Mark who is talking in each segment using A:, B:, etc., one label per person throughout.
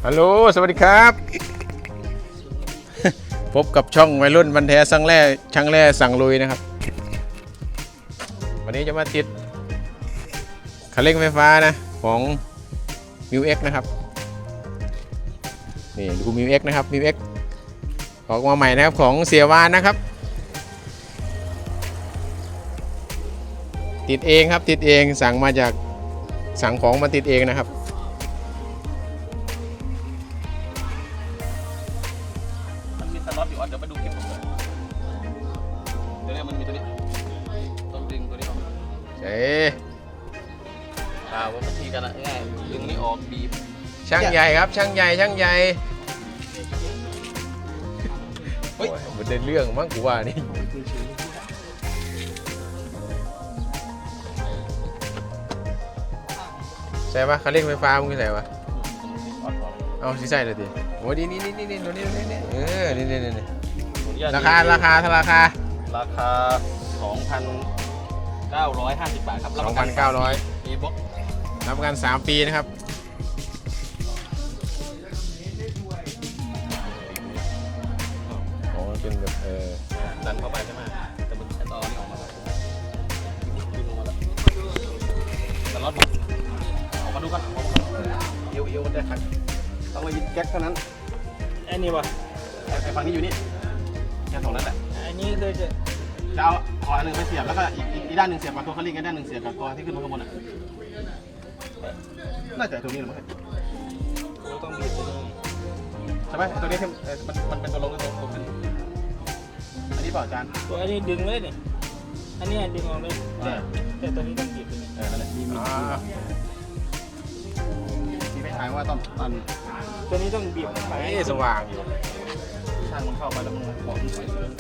A: ฮัลโหลสวัสดีครับพบกับช่องวัยรุ่นบันแท้ช่างแร่สั่งลุยนะครับวันนี้จะมาติดคันเร่งไฟฟ้านะของ MIUX นะครับนี่ดู MIUX นะครับ MIUX ออกมาใหม่นะครับของเสียวานนะครับติดเองครับติดเองสั่งของมาติดเองนะครับ
B: สล็อตอยู่เดี๋ยวไปดูคลิปผมเลยเดี๋ยวนี้มันมีตัวนี้ต้องดึงตัวนี้ออก
A: เจ๊
B: ว่าวิธีกันง่ายดึงนี่ออกบีบ
A: ช่างใหญ่ครับช่างใหญ่เฮ้ยมันได้เรื่องมั้งกูว่านี่ใช่ปะคันเร่งไฟฟ้ามึงใส่ปะเอาสิใส่เลยดิโอ้ดีนี่ตัวนี้นี่ราคา
B: 2,950 บาทครับ
A: 2,900
B: มีบล็อก
A: รับประกัน3 ปีนะครับอ๋อเป็นแบบ
B: ดันเข้าไปใช่ไหมแต่มันใช้ต่อนี่ออกมาแล้วดึงออกมาแล้วสล็อตออกมาดูกันเอวมันได้ขัดต้องไปยึดแก๊กเท่านั้นไอ้นี่วะไอ้ฝั่งนี้อยู่นี่แค่ตรงนั้นแหละอันนี้คือจะเอาขออันหนึ่งไปเสียบแล้วก็อีกด้านหนึ่งเสียบกับตัวคันเร่งอีกด้านหนึ่งเสียบกับตัวที่ขึ้นมาข้างบนอ่ะน่าจะตัวนี้หรือไม่ต้องบีบตัวนี้ใช่ไหมตัวนี้ที่มันเป็นตัวลงตัวขึ้นอันนี้เปล่าอาจารย์
C: ตัวอันนี้ดึงเลยนี่อันนี้ดึงออกเลยแต่ตัวนี้ต้องบีบตัวนี้
B: นั่นแหละมีไม่ถ่ายว่าต้องตัน
C: ตัวนี้ต้องบีบไป
A: สว่างอยู่
B: ช่างมันเข้าไปแล้วมันบอกมันใส่เรื่อง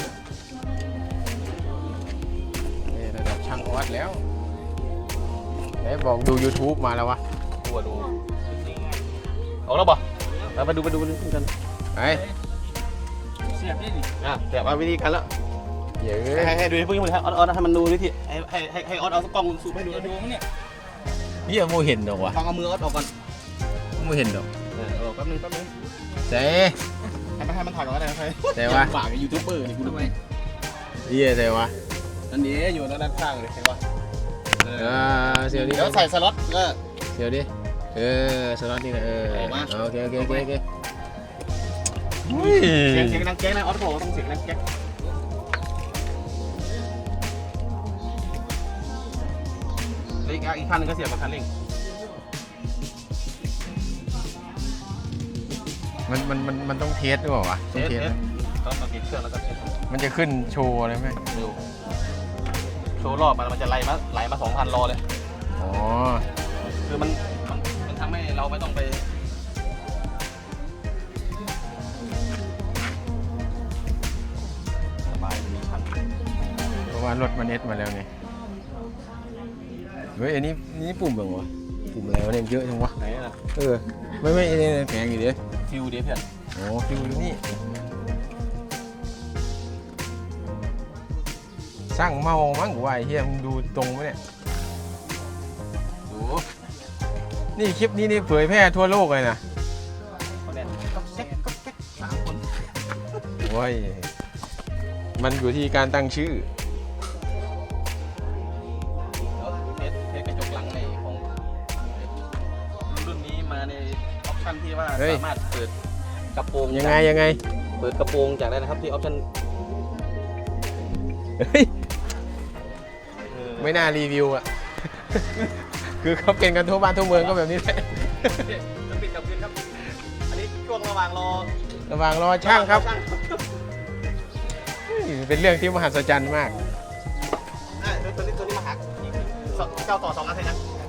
A: นี่ระดับช่างออสแล้วไหนบอกดู YouTube มาแล้ววะ
B: ตัวดูออกแล้วป่ะไปดูกัน
A: ไป
C: เสียบได้ดิ
B: เสียบเอาวิธีกันแล้ว
A: เยอะ
B: ให้ดูให้พวกนี้ให้ออสให้มันดูวิธีให้ออสเอาสักกล้องซูมให้ดู
C: มั้งเนี่ย
A: นี่ยังไม่เห็นดอกวะ
B: ฟังเอามือออสออกก่อน
A: ไม่เห็นดอก
B: แป๊บนึง
A: เจ๊
B: ให้มันถ่ายก่อนได้ไหม
A: เจ๊วะ
B: ฝากยูทูบเบอร์นี่กูทำไม
A: เจ๊วะ
B: อันนี้อยู่ด้านข้างเลยใช่ปะ
A: เสียวดิ
B: เดี๋ยวใส่สล็อตก็
A: เสียวดิสล็อตนี่นะโอเคเ
B: สียงดังแก๊กนะออสบอกต้องเสียงดังแก๊กอีกคันนึงก็เสียบกับคันเร่ง
A: มันต้องเทสด้วยวะ
B: ต้องเทสต้องติดเครื่องแล้วก็เทส
A: มันจะขึ้นโชว์อะไรไหม
B: โชว์รอบมันจะไหลมา 2,000 โลเลย
A: อ๋อ
B: คือมันทำให้เราไม่ต้องไปสบายมีคัน
A: เพราะว่ารถมันเอสมาแล้วไงเฮ้ยอันนี้ปุ่มแบบวะปุ่มอะไรวะเนี่ยเยอะจังวะ
B: ไหนล่ะ
A: ไม่แพงอยู่ดิ
B: ฟิวเดียเพื่อน
A: โอ้ฟิวอยู่นี่สร้างเมามั้งกูว่าไอ้เฮียมึงดูตรงไหมเนี่ย
B: ดู
A: นี่คลิปนี้นี่เผยแพร่ทั่วโลกเลยนะ
B: ก็แก๊ก3 คน
A: โอ้ยมันอยู่ที่การตั้งชื่อ
B: เทสกระจกหลังในของรุ่นนี้มาในออปชั่นที่ว่าสามารถเปิดกระโปรง
A: ยังไง
B: เปิดกระโปรงจากได้นะครับที่ออปชั่น
A: ไม่น่ารีวิวอ่ะคือเขาเป็นกันทั่วบ้านทั่วเมืองก็แบบนี้แหละ
B: จะปิดกับคืนครับอันนี้ช่วงระหว่างร
A: อช่างครับเป็นเรื่องที่มหัศจรรย์มาก
B: ตัวนี้มาหักเจ้าต่อ2 อันใช่ไหม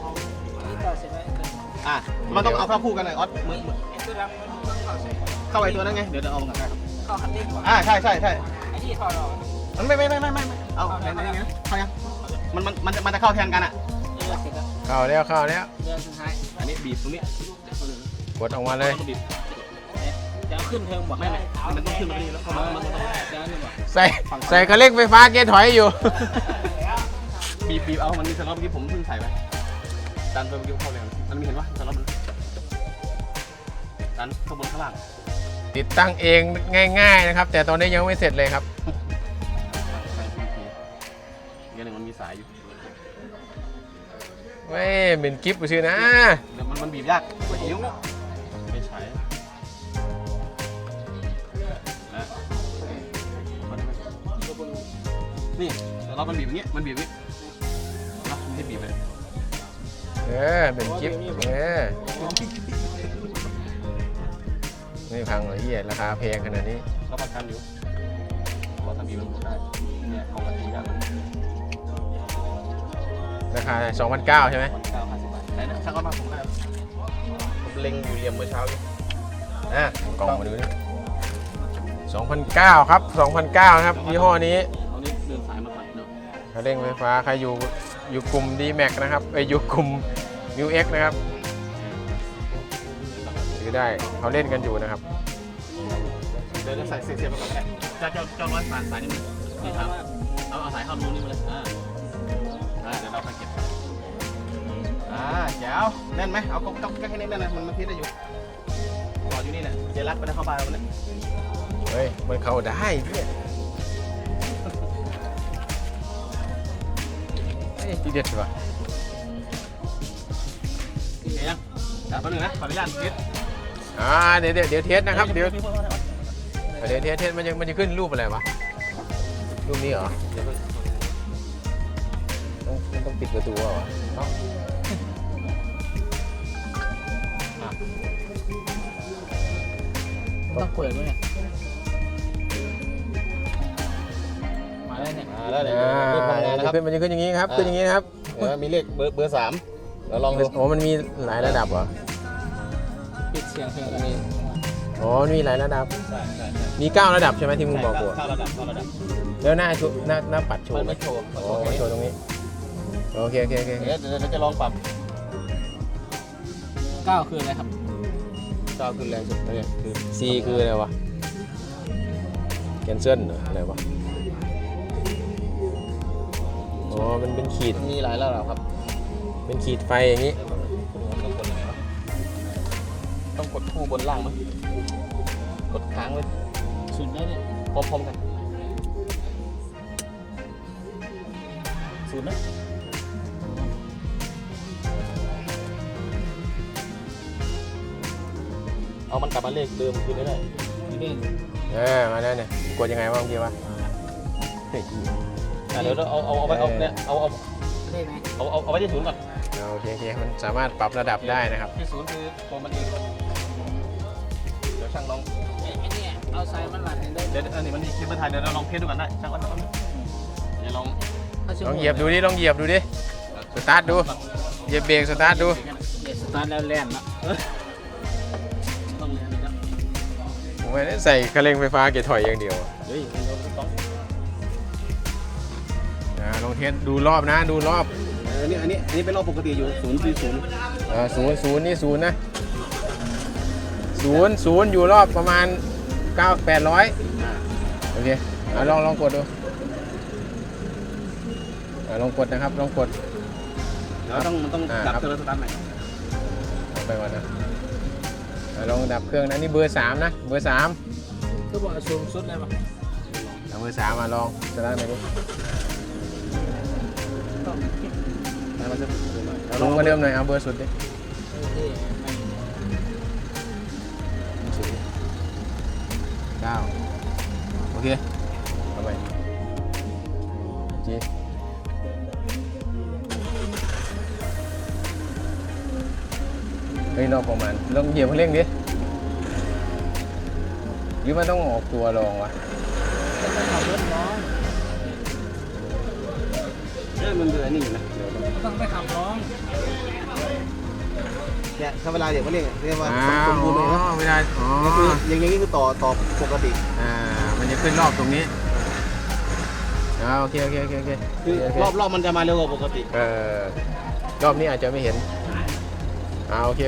B: มันต้องเอาเข้าคู่กันเลยออสมือเข้าไอ้ตัวนั้นไงเดี๋ยวเอามากันได้ครับ
C: เข้าคันเร่งก่อน
B: ใช่
C: ไอ้ที่ถอดออก
B: มันไม่เอาไหนนะเข้ายังมันจะเข้าแทนกันอ่ะ
A: เข้าแล้ว
C: เรื่องสุดท้าย
B: อันนี้บีบตรงนี้
A: กดออกมาเลย
C: จะขึ้นเทิงบอก
B: ไม่มันต้องขึ้นมาดีแล้วเข้ามา
A: ใส่กระเล็กไฟฟ้าเกียร์ถอยอยู่
B: บีบเอามันมีสล็อตเมื่อกี้ผมเพิ่งใส่ไปดันตัวเมื่อกี้เข้าเลยมันมีเห็นว่าสล็อตมันดันข้างบนข้างล่าง
A: ติดตั้งเองง่ายๆนะครับ แต่ตอนนี้ยังไม่เสร็จเลยครับ
B: อีกหนึ่งมันมีสายอยู่
A: เว้ยเป็นกิฟต์ชื่อนะ
B: เดี๋ยวมันบีบยากกว่านิ้วไม่ใช่และนี่เรามันบีบอย่างเงี้ยมันบีบอย่างเงี้ยนะไม่บีบเลย
A: เป็นกิฟต์ไม่พังเลยเฮียราคาแพงขนาดนี้
B: รับประกันอยู่ว่าถ้าบีบมันได้เนี่ยของกันยาก
A: ราคา 2,900 ใช่ไหม
B: 950 บาทไหนนะช่างก็มาผมได้ผมเล็งอยู่เหลี่ยมเมื่อเช้าอยู่
A: กล่องมาดูนี่2,900 ครับ 2,900 ครับยี่ห้อนี้
B: เอานี่เดินสายมาใส่เนาะ
A: คันเร่งไฟฟ้าใครอยู่กลุ่ม D-Max นะครับอยู่กลุ่ม New X นะครับซื้อได้เขาเล่นกันอยู่นะครับ
B: เดี๋ยวจะใส่เสียบไปก่อนก็ได้เจ้าร้อยสายนี่นี่ครับเอาสายเข้ารูนี่มาเลยเดี๋ยวเราไปเก็บแจ๋วแน่นไหมเอาก็แค่นี้แน่นนะมันพิษได้อยู่ต่ออยู่นี่แหละเจรักไปได้เข้าบ้านมันเนี่ย
A: เฮ้ยมันเข้าได้เนี่ยที่เด็ดว่ะ
B: โอเคยังจับตัวหนึ่งนะขออนุญาตพิษ
A: เดี๋ยวเทสนะครับเดี๋ยวเทสมันจะขึ้นรูปอะไรวะรูปนี้เหรอต้องปิดประตูเหรอ
C: ต้องเปิดไหมเนี่ยมาแล้วเนี่ย
B: แล้วเดี๋ยวทำงานนะครับ
A: มันจะขึ้นอย่างนี้ครับขึ้นอย่างนี้นะครับ
B: มีเลขเบอร์3เราลองดู
A: โอ้มันมีหลายระดับเหรอ
C: ปิดเสียงเพลงมี
A: อ๋อมีหลายระดับ
B: ใช่
A: มี9ระดับใช่ไหมที่มึงบอกกู
B: เข้าระดับ
A: แล้วหน้าปัดโช
B: มัน
A: ว์ไหม
B: ไม่โชว์
A: อ๋อโชว์ตรงนี้โอเค
B: เดี๋ยวจะลองปรับ
C: 9คืออะไรครับ
B: จอขึ้นแรงสุดเนี่ยคือ
A: C คืออะไรวะแคนเซิลเหรออะไรวะอ๋อมันเป็นขีด
B: มีหลายระดับครับ
A: เป็นขีดไฟอย่างนี้
B: ต้องกดคู่บนล่างมั้ยกดค้างไว้
C: สุดได้เนี่ย
B: พร้อมๆกันศูนย์นะเอามันกลับมาเลขเดิมคืนได้
C: นี่
A: มาแล้วเนี่ยกดยังไงวะเมื่อกี้วะเฮ้ย
B: เดี๋ยวเอาไว้เอาเนี่ยเอา
C: ได้ไหม
B: เอาไว้ที่ศูนย์ก่อน
A: โอเคมันสามารถปรับระดับได้นะครับ
B: ที่ศูนย์คือตัวมันเองเดี๋ยวช่างลอง
C: ไอ้เนี่ยเอาสายมันหลัดได้
B: เดี๋ยวอันนี้มันมีคลิปมาถ่ายเดี๋ยวเราลองเทสดูกันได้ช่างว่าเดี๋ยวลอง
A: ลองเหยียบดูดิสตาร์ทดูเหยียบเบรกสตาร์ทดู
C: เดี๋ยวสตาร์ทแล้วแล่นละ
B: ต้องเรียนนะ
A: ผมไม่ได้ใส่คันเร่งไฟฟ้าเกียร์ถอยอย่างเดียวอะ
B: เฮ้ยเราต้อง
A: ลองเทสดูรอบนะดูรอบ
B: อันนี้เป็นรอบปกติอยู่ศูนย์คือศูนย์
A: ศูนย์นี่ศูนย์นะศูนย์อยู่รอบประมาณ800โอเคลองกดดูลองกดนะครับลองกด
B: เดี๋ยวต้องดับเครื่องสตาร์ทใหม่
A: เอาไปก่อนนะลองดับเครื่องนะนี่เบอร์3นะเบอร์3
C: ก็บอกสูงสุดเลยป่ะ
A: เอาเบอร์3มาลองสตาร์ทหน่อยดิลงมาเริ่มหน่อยเอาเบอร์สุดดิ9โอเคเอาไปจีเฮ้ยรอบประมาณลองเหยียบคันเร่งดิหรือมันต้องออกตัวลองวะ
C: ขับรถน้อง
B: มันเดือนี่อยู่นะ
C: ต้องไปขับน้อง
B: เนี่ยถ้าเวลาเด็กมาเรียกว่า
A: สมบูรณ์เลยนะเวลา
B: นี่คืออย่างนี้คือต่อปกติ
A: มันจะขึ้นรอบตรงนี้โอเค
B: คือรอบมันจะมาเร็วกว่าปกติ
A: รอบนี้อาจจะไม่เห็นโอเค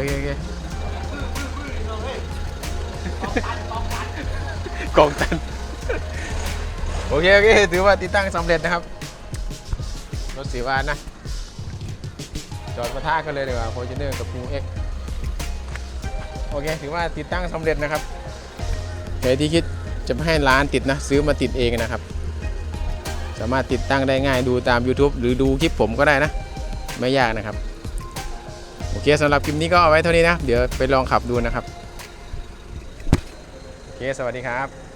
A: กองตันโอเคถือว่าติดตั้งสำเร็จนะครับรถสีวานนะจอดปะทะกันเลยดีกว่า Fortuner กับ New X โอเคถือว่าติดตั้งสำเร็จนะครับใครที่คิดจะให้ร้านติดนะซื้อมาติดเองนะครับสามารถติดตั้งได้ง่ายดูตาม YouTube หรือดูคลิปผมก็ได้นะไม่ยากนะครับโอเคสำหรับคลิปนี้ก็เอาไว้เท่านี้นะเดี๋ยวไปลองขับดูนะครับโอเคสวัสดีครับ